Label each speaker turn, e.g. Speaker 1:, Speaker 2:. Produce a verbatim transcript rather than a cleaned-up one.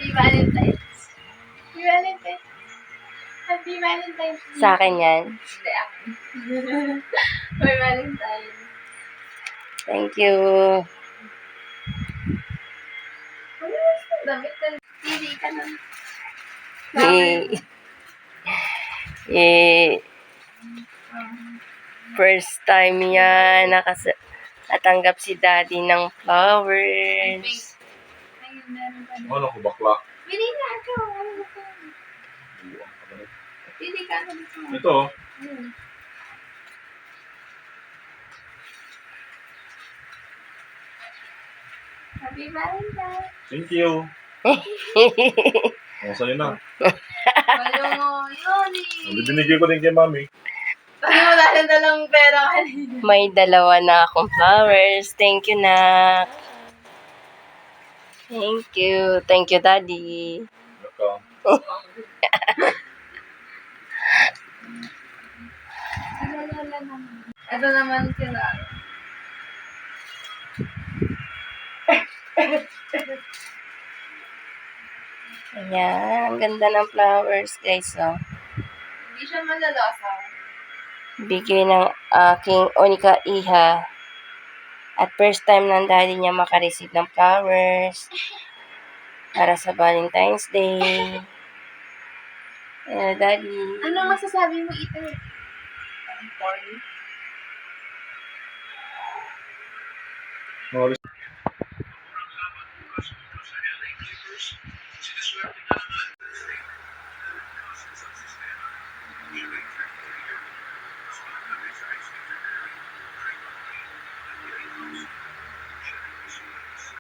Speaker 1: Happy Valentine's. Happy Valentine's. Happy Valentine's.
Speaker 2: Sa akin yan.
Speaker 1: Hindi, ako. Happy Valentine's.
Speaker 2: Thank you.
Speaker 1: Ano yung damit ka? Pili ka na.
Speaker 2: Eh, eh, first time yan nakas natanggap si daddy ng flowers.
Speaker 1: Ayun, meron pa.
Speaker 3: Ano ko bakla?
Speaker 1: Pili ka ako. Ano ka? Pili ka ako dito.
Speaker 3: Ito.
Speaker 1: Ayun. Happy Valentine's.
Speaker 3: Thank you. Oh, sa'yo na.
Speaker 1: Wala mo, yun eh.
Speaker 3: Binigay ko din kay mami.
Speaker 1: Sabi mo dahil dalang pera kanina.
Speaker 2: May dalawa na akong flowers. Thank you, na. Thank you. Thank you, daddy.
Speaker 3: Welcome.
Speaker 1: Ito naman sila.
Speaker 2: Ayan. Ang ganda ng flowers, guys. Oh.
Speaker 1: Hindi siya malalasa.
Speaker 2: Bigay ng aking Onika Iha. At first time ng daddy niya makareceive ng flowers para sa Valentine's Day. Ayan, daddy.
Speaker 1: Ano masasabi mo ito? Ang corny.
Speaker 3: Morris.